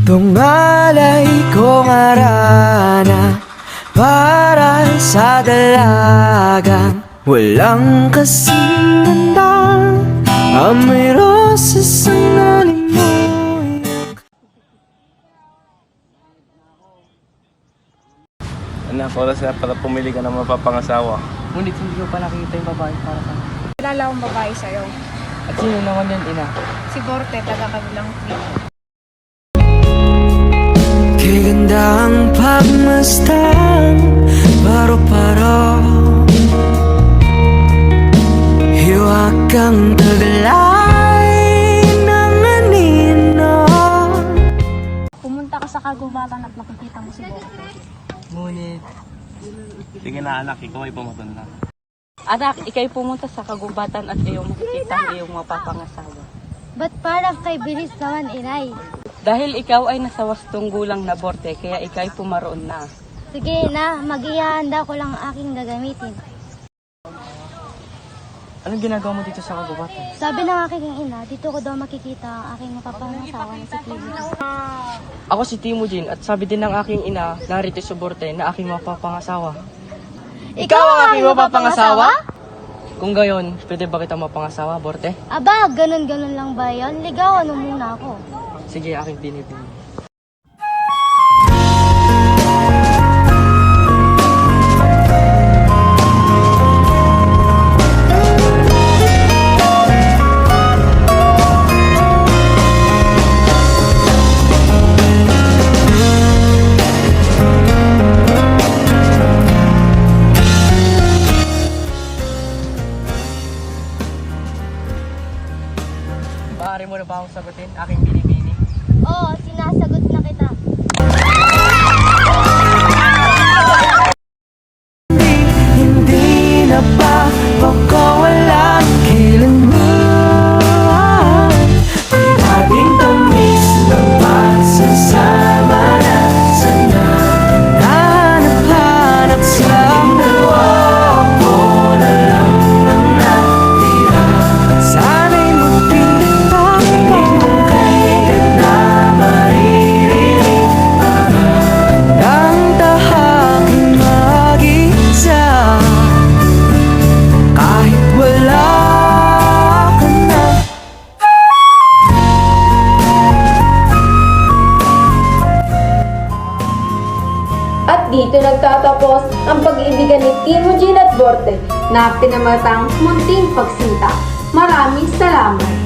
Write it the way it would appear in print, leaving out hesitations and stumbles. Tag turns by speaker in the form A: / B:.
A: Tungalay kong arana para sa dalagang walang kasing ganda. Amoy rosas ang nalimoy.
B: Anak, oras na para pumili ka ng mapapangasawa.
C: Ngunit hindi ko pa nakikita yung babae para sa akin.
D: Kilala akong babae sa'yo.
C: At sino naman yan, ina?
D: Si Borte, taga-kabilang trip.
A: Kay ganda ang pagmasdan, paro-paro. Hiwag kang taglay ng anino.
D: Pumunta ka sa kagubatan at makikita mo si Borte.
C: Ngunit...
B: Sige na anak, ikaw ay pumatun na.
E: Anak, ikay pumunta sa kagubatan at iyong makikita ang iyong mapapangasawa.
F: Ba't parang kay bilis naman, inay?
E: Dahil ikaw ay nasa wastong gulang na Borte, kaya ikay pumaroon na.
F: Sige na, mag-ihanda ko lang ang aking gagamitin.
C: Anong ginagawa mo dito sa kagubatan?
F: Sabi ng aking ina, dito ko daw makikita ang aking mapapangasawa na si Tibo.
C: Ako si Timujin at sabi din ng aking ina, narito si Borte na aking mapapangasawa.
F: Ikaw ang aking mapapangasawa?
C: Kung gayon, pwede ba kita mapangasawa, Borte?
F: Aba, ganun-ganun lang ba yun? Ligawan mo muna ako.
C: Sige, aking binibini. Maaari mo na ba akong sagutin, aking binibini?
F: Oo, sinasagot na kita.
A: Hindi na ba pagkawalan kailanman? May ating tamis na pagsasama na sana. Hanap-hanap sa dalawa, ako na lang ang natira. Sana'y magpinta mong kailan na maririnig ang tahaking mag-isa. Kahit wala ka na.
G: At dito nagtatapos ang pag-ibigan ni Timujin at Borte na pinamatang munting pagsinta. Maraming salamat!